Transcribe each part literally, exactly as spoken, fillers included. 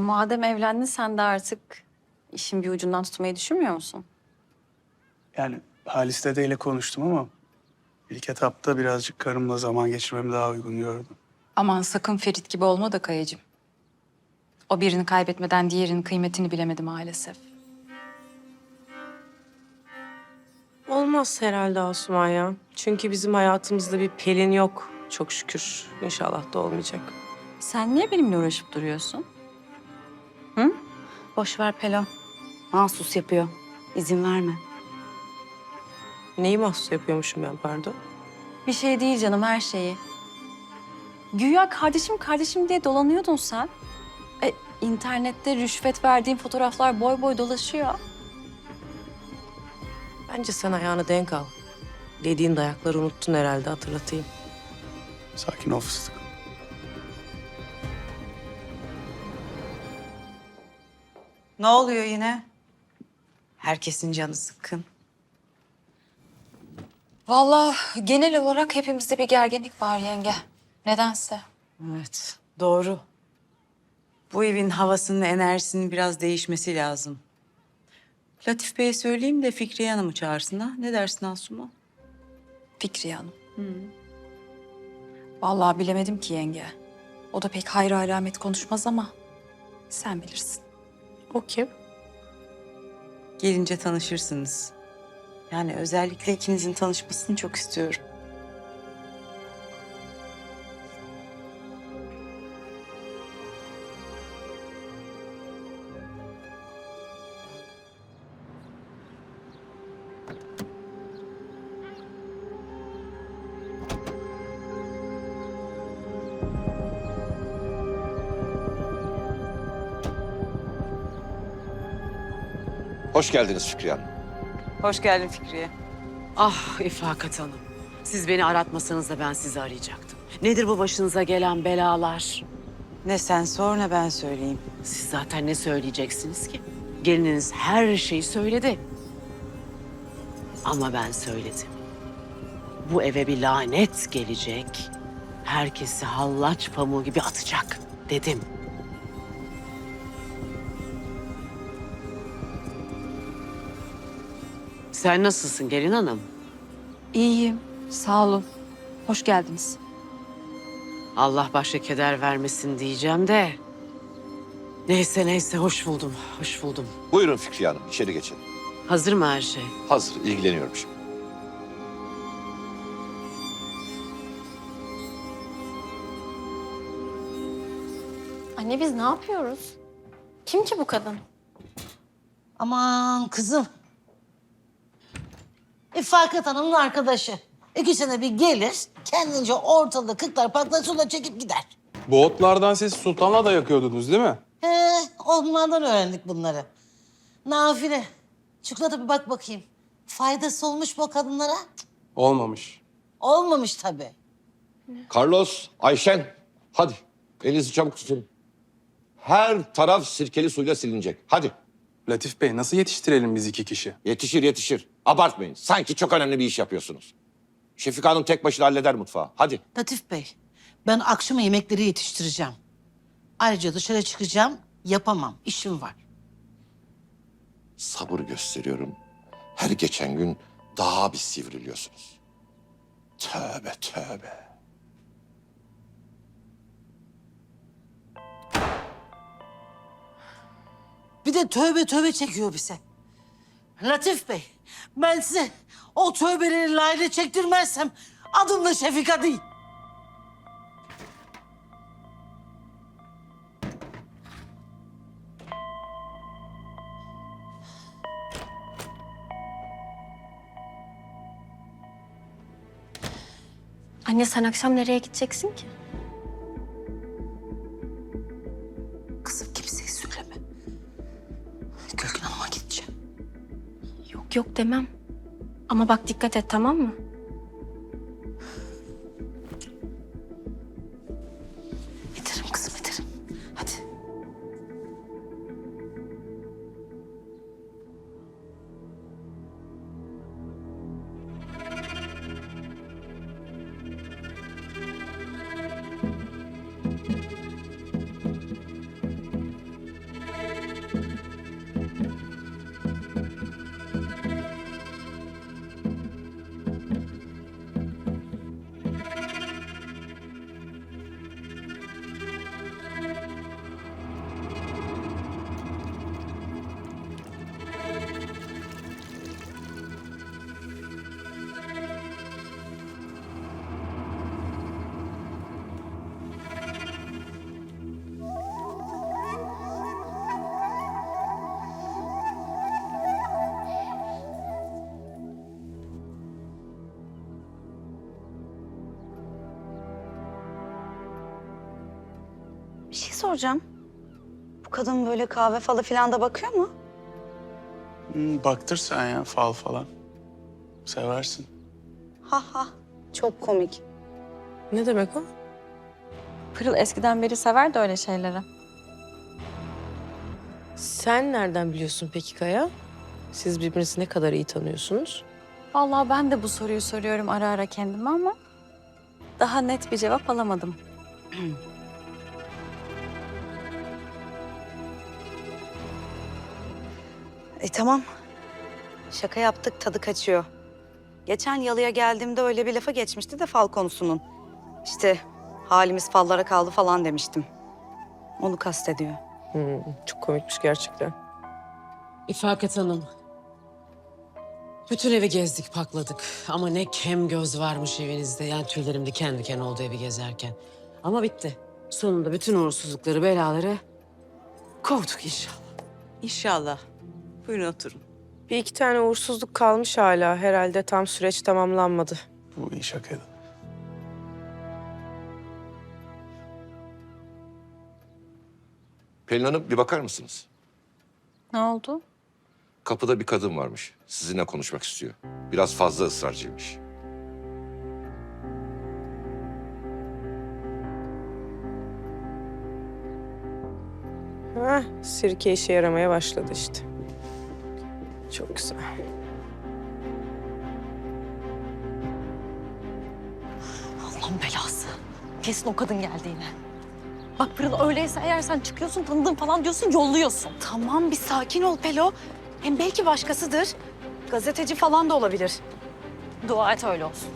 madem evlendin sen de artık işin bir ucundan tutmayı düşünmüyor musun? Yani Halis dedeyle konuştum ama ilk etapta birazcık karımla zaman geçirmemi daha uygun gördüm. Aman sakın Ferit gibi olma da Kayacığım. O birini kaybetmeden diğerinin kıymetini bilemedi maalesef. Olmaz herhalde Asuman ya. Çünkü bizim hayatımızda bir Pelin yok. Çok şükür. İnşallah da olmayacak. Sen niye benimle uğraşıp duruyorsun? Hı? Boş ver Pelo. Mahsus yapıyor. İzin verme. Neyi mahsus yapıyormuşum ben pardon? Bir şey değil canım, her şeyi. Güya kardeşim kardeşim diye dolanıyordun sen. E, internette rüşvet verdiğin fotoğraflar boy boy dolaşıyor. Bence sen ayağını denk al. Dediğin dayakları unuttun herhalde, hatırlatayım. Sakin ol fıstık. Ne oluyor yine? Herkesin canı sıkkın. Vallahi genel olarak hepimizde bir gerginlik var yenge. Nedense. Evet, doğru. Bu evin havasının, enerjisinin biraz değişmesi lazım. Latif Bey'e söyleyeyim de Fikriye Hanım'ı çağırsın ha. Ne dersin Asuman? Fikriye Hanım. Vallahi bilemedim ki yenge. O da pek hayra alamet konuşmaz ama sen bilirsin. O kim? Gelince tanışırsınız. Yani özellikle ikinizin tanışmasını çok istiyorum. Hoş geldiniz Fikriye Hanım. Hoş geldin Fikriye. Ah İfakat Hanım. Siz beni aratmasanız da ben sizi arayacaktım. Nedir bu başınıza gelen belalar? Ne sen sor ne ben söyleyeyim. Siz zaten ne söyleyeceksiniz ki? Gelininiz her şeyi söyledi. Ama ben söyledim. Bu eve bir lanet gelecek. Herkesi hallaç pamuğu gibi atacak dedim. Sen nasılsın gelin hanım? İyiyim. Sağ olun. Hoş geldiniz. Allah başka keder vermesin diyeceğim de. Neyse neyse hoş buldum, hoş buldum. Buyurun Fikriye Hanım, içeri geçin. Hazır mı her şey? Hazır, ilgileniyorum şimdi. Anne biz ne yapıyoruz? Kim ki bu kadın? Aman kızım. İfakat Hanım'ın arkadaşı. İki sene bir gelir, kendince ortalığı kıklar paklar suda çekip gider. Bu otlardan siz sultanla da yakıyordunuz değil mi? He, onlardan öğrendik bunları. Nafile, çikolata bir bak bakayım. Faydası olmuş mu o kadınlara? Cık, Olmamış. olmamış tabii. Carlos, Ayşen, hadi elinizi çabuk tutun. Her taraf sirkeli suyla silinecek. Hadi, Latif Bey nasıl yetiştirelim biz iki kişi? yetişir yetişir. Abartmayın, sanki çok önemli bir iş yapıyorsunuz. Şefika Hanım tek başına halleder mutfağı. Hadi. Latif Bey, ben akşama yemekleri yetiştireceğim. Ayrıca dışarı çıkacağım, yapamam, işim var. Sabır gösteriyorum. Her geçen gün daha bir sivriliyorsunuz. Tövbe tövbe. Bir de tövbe tövbe çekiyor bize. Latif Bey, ben size o tövbeleri layığıyla çektirmezsem adım da Şefika değil. Anne sen akşam nereye gideceksin ki? Kızım kimseye söyleme. Gülgün Hanım'a gideceğim. Yok yok demem. Ama bak dikkat et, tamam mı? Giderim kızım giderim. Hadi. şey soracağım. Bu kadın böyle kahve falı filan da bakıyor mu? Hmm, baktır sen ya fal falan. Seversin. Ha ha. Çok komik. Ne demek o? Pırıl eskiden beri sever de öyle şeyleri. Sen nereden biliyorsun peki Kaya? Siz birbirinizi ne kadar iyi tanıyorsunuz? Vallahi ben de bu soruyu soruyorum ara ara kendime ama daha net bir cevap alamadım. E tamam. Şaka yaptık, tadı kaçıyor. Geçen yalıya geldiğimde öyle bir lafa geçmişti de fal konusunun. İşte halimiz fallara kaldı falan demiştim. Onu kastediyor. Hmm, çok komikmiş gerçekten. İfaket Hanım. Bütün evi gezdik, pakladık. Ama ne kem göz varmış evinizde. Yani tüylerim diken diken oldu evi gezerken. Ama bitti. Sonunda bütün uğursuzlukları, belaları kovduk inşallah. İnşallah. Buyurun oturun. Bir iki tane uğursuzluk kalmış hala. Herhalde tam süreç tamamlanmadı. Bu iyi şakaydı. Pelin Hanım bir bakar mısınız? Ne oldu? Kapıda bir kadın varmış. Sizinle konuşmak istiyor. Biraz fazla ısrarcıymış. Heh, sirke işe yaramaya başladı işte. Çok güzel. Allah'ın belası. Kesin o kadın geldi yine. Bak Pırıl öyleyse eğer sen çıkıyorsun tanıdığım falan diyorsun yolluyorsun. Tamam bir sakin ol Pelo. Hem belki başkasıdır. Gazeteci falan da olabilir. Dua et öyle olsun.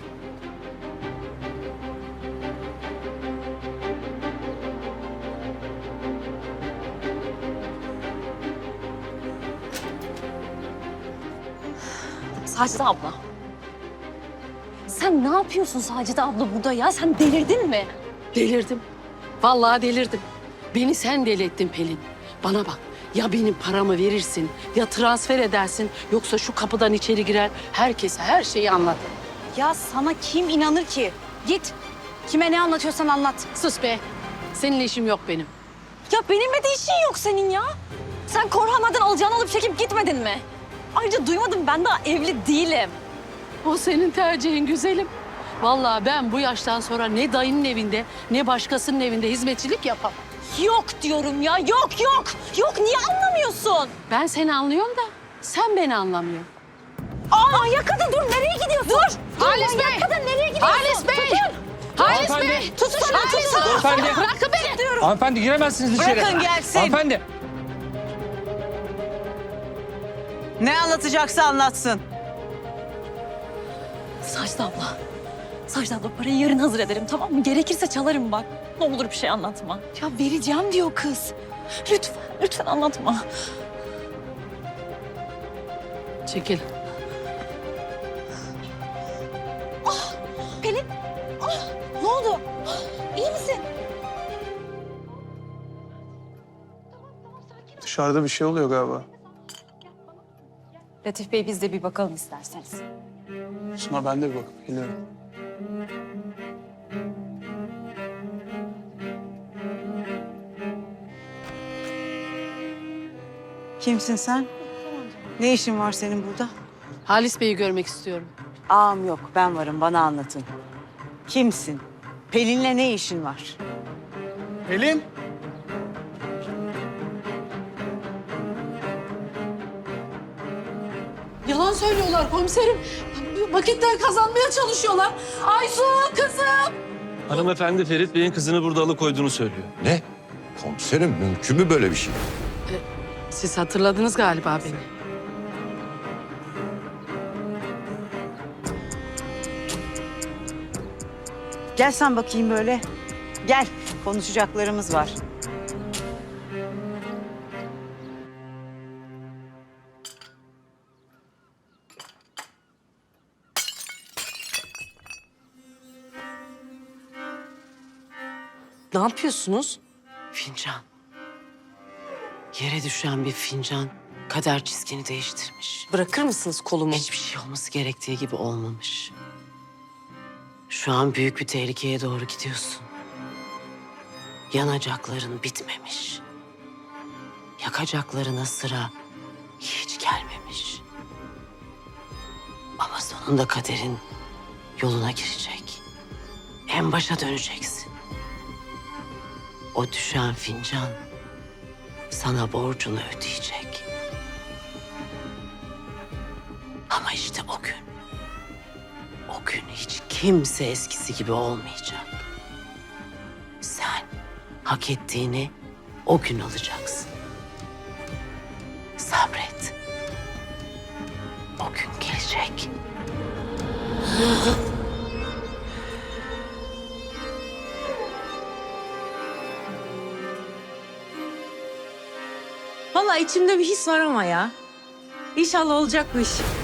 Sacide abla. Sen ne yapıyorsun Sacide abla burada ya? Sen delirdin mi? Delirdim. Vallahi delirdim. Beni sen deli ettin Pelin. Bana bak. Ya benim paramı verirsin, ya transfer edersin, yoksa şu kapıdan içeri girer, herkese her şeyi anlat. Ya sana kim inanır ki? Git. Kime ne anlatıyorsan anlat. Sus be. Seninle işim yok benim. Ya benimle de işin yok senin ya. Sen Korhanlardan alacağını alıp çekip gitmedin mi? Ayrıca duymadım ben daha evli değilim. O senin tercihin güzelim. Vallahi ben bu yaştan sonra ne dayının evinde, ne başkasının evinde hizmetçilik yapamam. Yok diyorum ya yok yok. Yok niye anlamıyorsun? Ben seni anlıyorum da sen beni anlamıyorsun. Aa manyak kadın dur nereye gidiyorsun? Dur. dur Halis manyak Bey! kadın nereye gidiyorsun? Halis Bey! Tutun. Halis Hanımefendi! Bey! Tutun şunu tutun. Hanımefendi! Bırakın beni! Hanımefendi giremezsiniz içeri. Bırakın gelsin. Hanımefendi. Ne anlatacaksa anlatsın. Sacide abla. Sacide abla parayı yarın hazır ederim tamam mı? Gerekirse çalarım bak. Ne olur bir şey anlatma. Ya vereceğim diyor kız. Lütfen, lütfen anlatma. Çekil. Pelin. Ah, ne oldu? Ah, İyi misin? Dışarıda bir şey oluyor galiba. Latif Bey biz de bir bakalım isterseniz. Suna ben de bir bakıp geliyorum. Kimsin sen? Ne işin var senin burada? Halis Bey'i görmek istiyorum. Ağam yok, ben varım. Bana anlatın. Kimsin? Pelin'le ne işin var? Pelin. Yalan söylüyorlar komiserim. Vakitler kazanmaya çalışıyorlar. Aysu kızım. Hanımefendi Ferit Bey'in kızını burada alıkoyduğunu söylüyor. Ne? Komiserim mümkün mü böyle bir şey? Siz hatırladınız galiba beni. Gel sen bakayım böyle. Gel, konuşacaklarımız var. Ne yapıyorsunuz? Fincan. Yere düşen bir fincan kader çizgini değiştirmiş. Bırakır mısınız kolumu? Hiçbir şey olması gerektiği gibi olmamış. Şu an büyük bir tehlikeye doğru gidiyorsun. yanacakların bitmemiş. Yakacaklarına sıra hiç gelmemiş. Ama sonunda kaderin yoluna girecek. En başa döneceksin. O düşen fincan sana borcunu ödeyecek. Ama işte o gün, o gün hiç kimse eskisi gibi olmayacak. Sen hak ettiğini o gün alacaksın. Sabret. O gün gelecek. Vallahi içimde bir his var ama ya. İnşallah olacak bu iş.